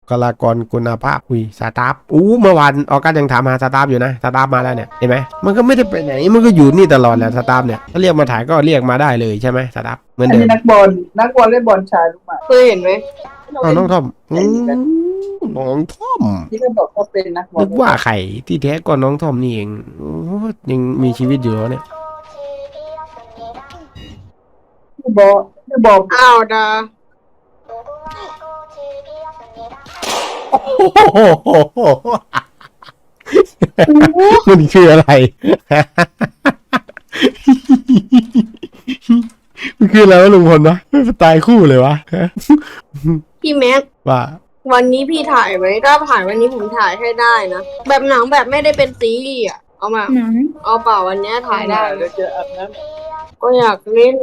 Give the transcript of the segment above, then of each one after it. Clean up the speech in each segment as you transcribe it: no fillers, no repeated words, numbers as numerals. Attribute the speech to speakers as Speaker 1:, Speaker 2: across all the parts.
Speaker 1: คลากรคุณภาพสตาฟเมื่อวานออกัสยังถามหาสตาฟอยู่นะสตาฟมาแล้วเนี่ยเห็นไหมมันก็ไม่ได้ไปไหนมันก็อยู่นี่ตลอดแหละสตาฟเนี่ยถ้าเรียกมาถ่ายก็เรียกมาได้เลยใช่ไหมสตาฟเหมือน
Speaker 2: อัน
Speaker 1: เดิ
Speaker 2: นี้
Speaker 1: ม
Speaker 2: นักบอลเล่นบอลชายลูกหมา
Speaker 3: เคยเห็นไหม
Speaker 1: น้องทอมน้องทอม
Speaker 2: ที่เขาบอกเขาเป็นนักบอล
Speaker 1: นึกว่าใครที่แท้ก็น้องทอมนี่เองยังมีชีวิตอยู่แล้วเนี่ย
Speaker 2: บอล
Speaker 3: อ้าวดา
Speaker 1: มันคืออะไร มันคืออะไรวะลุงพลวะไม่ตายคู่เลยวะ
Speaker 3: พี่แม็ก
Speaker 1: ว่า
Speaker 3: วันนี้พี่ถ่ายไหมถ้าถ่ายวันนี้ผมถ่ายให้ได้นะแบบหนังแบบไม่ได้เป็นซีรีส์อ่ะเอามา
Speaker 4: หนัง
Speaker 3: เอาเปล่าวันนี้ถ่ายได้
Speaker 2: เดี๋ยวจะอาบน้
Speaker 3: ก็อยากเล่น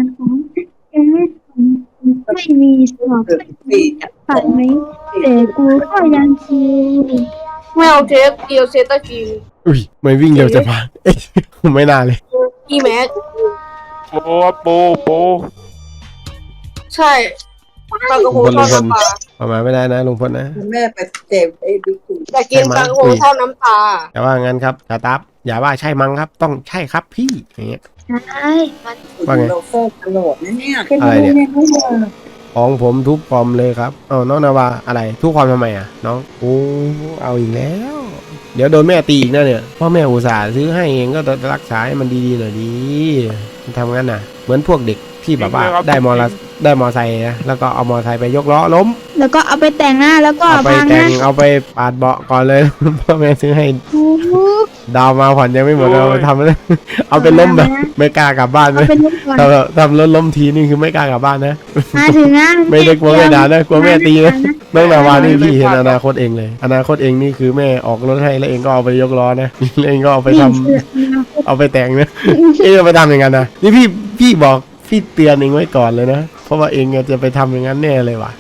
Speaker 4: ไม่มีสอบ
Speaker 2: ำสี่
Speaker 4: ปัดไหมแต่กูก็ยังคิว
Speaker 3: ไม่เอาเทปเดียวเซตาคิว
Speaker 1: อุ้ยไม่วิ่งเร็วจะมาเอ๊ะไม่น่าเลย
Speaker 3: พี่แม็ก
Speaker 5: โป
Speaker 3: ใช่ปลากระพงทอดน้ำปลา
Speaker 1: ประมาณไม่ได้นะลุงพลนะ
Speaker 2: แม่ไปเจ็บไอ้บิ๊กตู่
Speaker 3: แต่กินปลากระพงทอดน้ำปลา
Speaker 1: แต่ว่างั้นครับสตาฟอย่าว่าใช่มั้งครับ ต้องใช่ครับพี่อย่างเงี้ย
Speaker 4: ใช่
Speaker 1: ว่าไง
Speaker 2: เราโซ่ตลอดนะเนี่ย
Speaker 1: อะไรเนี่ย ของผมทุบคอมเลยครับน้องนาวาอะไรทุบคอมทำไมอ่ะน้องเอาอีกแล้ว เดี๋ยวโดนแม่ตีอีกนะเนี่ยพ่อแม่อุตส่าห์ซื้อให้เองก็ต้องรักษาให้มันดีๆหน่อยดีมันทำงั้นน่ะ เหมือนพวกเด็กที่แบบว่าได้มอไซค์นะแล้วก็เอามอไซค์ไปยกล้อล้ม
Speaker 4: แล้วก็เอาไปแต่งหน้าแล้วก็
Speaker 1: เอาไป
Speaker 4: พัง
Speaker 1: แต่
Speaker 4: นะ
Speaker 1: งเอาไปปาดเบาะก่อนเลย พ่อแม่ซื้อให้
Speaker 4: ทุก
Speaker 1: ดาวมาผ่อนยังไม่หมดเอาไปทำเลยเอาไปล้มแบบไม่กล้ากลับบ้านเล
Speaker 4: เอา
Speaker 1: ย
Speaker 4: ไปลุกก่อน
Speaker 1: ทำรถล้มทีนี่คือไม่กล้ากลับบ้านนะ
Speaker 4: มาถึงนะ
Speaker 1: ไม่ได้กลัวแม่ด่านะกลัวแม่ตีนะน้องนาวานี่พี่เห็นอนาคตเองเลยอนาคตเองนี่คือแม่ออกรถให้แล้วเองก็เอาไปยกล้อนะแล้วเองก็เอาไปทำเอาไปแต่งนะเองเอาไปทำอย่างนั้นนะนี่พี่บอกพี่เตือนเองไว้ก่อนเลยนะเพราะว่าเองจะไปทำอย่างนั้นแน่เลยว่ะ